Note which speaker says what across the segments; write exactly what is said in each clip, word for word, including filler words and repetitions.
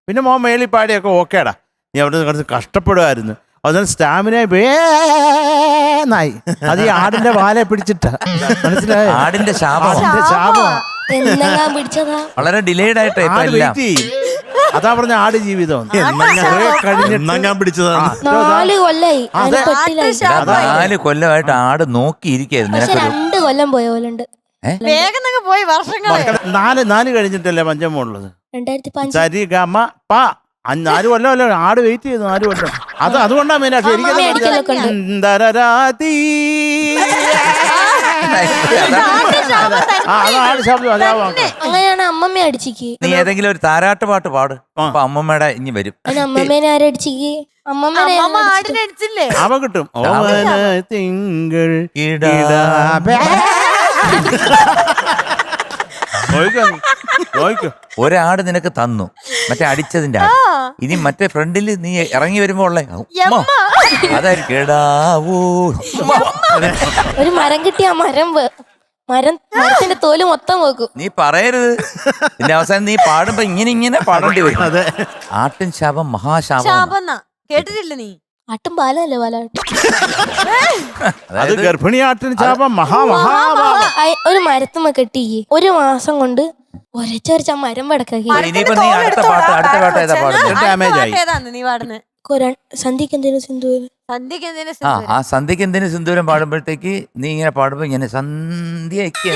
Speaker 1: പിന്നെ മോൻ മേളി പാടിയൊക്കെ ഓക്കേടാ, നീ അവിടെ കുറച്ച് കഷ്ടപ്പെടുമായിരുന്നു. അതുകൊണ്ട് സ്റ്റാമിന വേന്നായി. അത് ഈ ആടിന്റെ വാലെ പിടിച്ചിട്ടാ, മനസ്സിലായോ?
Speaker 2: ആടിന്റെ ശാപം,
Speaker 1: ആടിന്റെ ശാപം.
Speaker 3: പിടിച്ചതാ
Speaker 2: വളരെ ഡിലേഡ് ആയിട്ട് ഇപ്പൊ
Speaker 1: ആട്
Speaker 2: എല്ലാം.
Speaker 1: വെയിറ്റ് ചെയ്യും. അതാ പറഞ്ഞ ആട് ജീവിതം
Speaker 4: ഞാൻ പിടിച്ചതാണ്.
Speaker 3: നാല് കൊല്ലായി അതിന് പെട്ടിലായി.
Speaker 2: നാല് കൊല്ലമായിട്ട് ആട് നോക്കിയിരിക്കായിരുന്നു.
Speaker 3: പക്ഷെ രണ്ട് കൊല്ലം പോയ പോലുണ്ട്.
Speaker 5: വേഗം പോയി വർഷങ്ങളെ.
Speaker 1: നാല് നാല് കഴിഞ്ഞിട്ടല്ലേ പഞ്ചമുള്ളത്.
Speaker 3: രണ്ടായിരത്തി പഞ്ച്
Speaker 1: സരി ഗമ പ നാല് കൊല്ലമല്ലോ ആട് വെയിറ്റ് ചെയ്തു. നാല് കൊല്ലം അത് അതുകൊണ്ടാ മെയിനായിട്ട് എനിക്ക്
Speaker 3: അങ്ങനെയാണ് അമ്മമ്മ അടിച്ചിക്ക്.
Speaker 2: നീ ഏതെങ്കിലും ഒരു താരാട്ട് പാട്ട് പാട്, അപ്പൊ അമ്മമ്മയുടെ ഇനി വരും.
Speaker 3: അതിന് അമ്മമ്മേനെ ആരടിച്ചിക്ക്? അമ്മമ്മേനെ
Speaker 5: ആടിനടിച്ചില്ലേ?
Speaker 1: അവ കിട്ടും. തിങ്കൾ
Speaker 2: ഒരാട് നിനക്ക് തന്നു, മറ്റേ അടിച്ചതിന്റെ ആട്. ഇനി മറ്റേ ഫ്രണ്ടിൽ നീ ഇറങ്ങി വരുമ്പോ ഉള്ളേ അതായിരിക്കും കേടാവൂ.
Speaker 3: ഒരു മരം കിട്ടിയ ആ മരം വേ- മരം മരത്തിന്റെ തോല് മൊത്തം വെക്കും.
Speaker 2: നീ പറയരുത്. പിന്നെ അവസാനം നീ പാടുമ്പോ ഇങ്ങനെ ഇങ്ങനെ പാടേണ്ടി വരും. ആട്ടിൻ ശാപം മഹാശാപം.
Speaker 5: ശാപം കേട്ടിട്ടില്ല നീ?
Speaker 3: ആട്ടും പാലല്ലേ പാലാട്ടും.
Speaker 1: അത് ഗർഭിണിയാട്ടിന് ശാപം മഹാ മഹാ.
Speaker 3: ഒരു മരത്തുമ്മ കെട്ടിക്ക് ഒരു മാസം കൊണ്ട് ഒരച്ചൊരച്ച മരം വടക്കാക്കി.
Speaker 2: ഇനിയിപ്പോ നീ അടുത്ത പാട്ട് അടുത്ത പാട്ട് ഏതാ പാടുന്നത്?
Speaker 1: ഡാമേജ് ആയി.
Speaker 5: ഏതാന്ന് നീ പാടുന്നത്?
Speaker 3: സന്ധ്യക്ക് എന്തേലും സിന്ധുവിന്
Speaker 5: സന്ധ്യക്ക് എന്തിനാ
Speaker 2: ആ ആ സന്ധ്യക്ക് എന്തിനു സിന്ദൂരം പാടുമ്പോഴത്തേക്ക് നീ ഇങ്ങനെ പാടുമ്പോ ഇങ്ങനെ സന്ധ്യക്ക്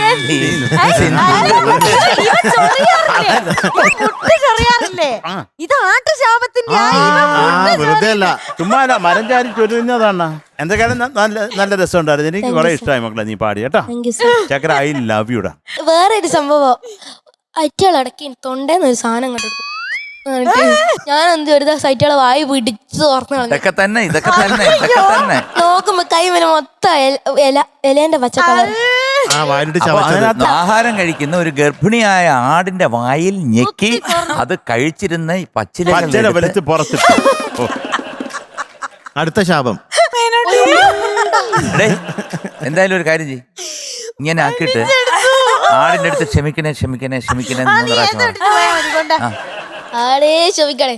Speaker 5: ചെറിയാറില്ലേ? ഇത് ആട്ടുശാപത്തിന്റെ
Speaker 4: വെറുതെ അല്ല,
Speaker 1: ചുമ്മാ മരം ചാരി ചൊല്ലുന്നതാണ്. എന്തൊക്കെയാണ് നല്ല നല്ല രസമുണ്ടായിരുന്നു. എനിക്ക് കുറെ ഇഷ്ടമായി മക്കളെ നീ പാടി കേട്ടോ. ചക്കര ഐ ലവ് യുടാ.
Speaker 3: വേറൊരു സംഭവം, അറ്റകളടക്കി തൊണ്ടേന്ന് ഒരു സാധനം കണ്ടെടുക്കും. ഞാൻ എന്ത് ഒരു സൈറ്റുകളെ വായി പിടിച്ച് തുറന്നു
Speaker 2: ഇതൊക്കെ തന്നെ ഇതൊക്കെ തന്നെ ഇതൊക്കെ തന്നെ
Speaker 3: നോക്കുമ്പോ കൈ വരെ മൊത്തം ഇല ഇലേന്റെ പച്ച കളർ.
Speaker 2: ആഹാരം കഴിക്കുന്ന ഒരു ഗർഭിണിയായ ആടിന്റെ വായിൽ ഞെക്കി അത് കഴിച്ചിരുന്ന ഈ പച്ചില
Speaker 1: വെളുത്ത് പുറത്തിട്ട്.
Speaker 4: അടുത്ത ശാപം.
Speaker 2: എന്തായാലും ഒരു കാര്യം ചെയ്യ്, ഇങ്ങനെ ആക്കിയിട്ട് ആടിന്റെ അടുത്ത് ക്ഷമിക്കണേ ക്ഷമിക്കണേ ക്ഷമിക്കണേ എന്ന് പ്രാവശ്യം
Speaker 3: ആടേ ക്ഷമിക്കണേ,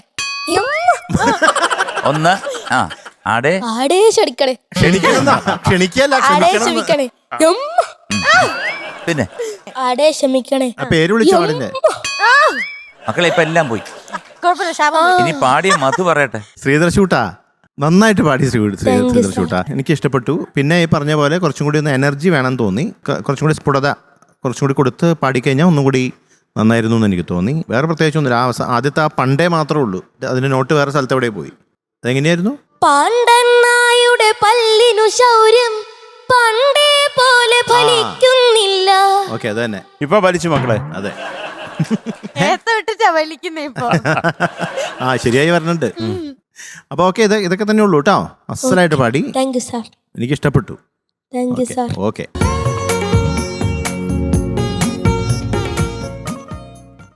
Speaker 2: ഒന്ന് ആ ആടേ
Speaker 3: ആടേ ക്ഷണിക്കണേ,
Speaker 4: ക്ഷണിക്കല്ല
Speaker 3: ആടേ ക്ഷമിക്കണേ,
Speaker 2: പിന്നെ
Speaker 3: ആടേ ക്ഷമിക്കണേ.
Speaker 4: പേര് വിളിച്ച പാടില്ലേ
Speaker 2: മക്കളെ? ഇപ്പൊ എല്ലാം പോയി. ഇനി പാടിയ മധു പറയട്ടെ.
Speaker 4: ശ്രീധർ ഷൂട്ടാ നന്നായിട്ട് പാടി. ശ്രീധർ ഷൂട്ടാ എനിക്ക് ഇഷ്ടപ്പെട്ടു. പിന്നെ ഈ പറഞ്ഞ പോലെ കുറച്ചും കൂടി ഒന്ന് എനർജി വേണം തോന്നി. കുറച്ചും കൂടി സ്ഫുടത കുറച്ചും കൂടി കൊടുത്ത് പാടിക്കഴിഞ്ഞാൽ ഒന്നും കൂടി നന്നായിരുന്നു എന്ന് എനിക്ക് തോന്നി. വേറെ പ്രത്യേകിച്ചൊന്നുമില്ല. ആ ആദ്യത്തെ ആ പണ്ടേ മാത്രമേ ഉള്ളൂ. അതിന്റെ നോട്ട് വേറെ സ്ഥലത്ത് എവിടെ പോയി? അതെങ്ങനെയായിരുന്നു?
Speaker 3: പാണ്ടനായുടെ പല്ലിനു ശൗര്യം പണ്ടേ പോലെ ഫലിക്കുന്നില്ല.
Speaker 4: ഓക്കെ, അത് തന്നെ
Speaker 1: ഇപ്പൊ വലിച്ചു മക്കളെ.
Speaker 4: അതെ,
Speaker 5: ഇപ്പൊ
Speaker 4: ആ ശരിയായി പറഞ്ഞിട്ടുണ്ട്. അപ്പൊ ഓക്കെ, ഇത് ഇതൊക്കെ തന്നെ ഉള്ളൂ കേട്ടോ. അസലായിട്ട് പാടി.
Speaker 3: Thank you sir.
Speaker 4: എനിക്ക് ഇഷ്ടപ്പെട്ടു.
Speaker 3: Thank you sir.
Speaker 4: ഓക്കെ.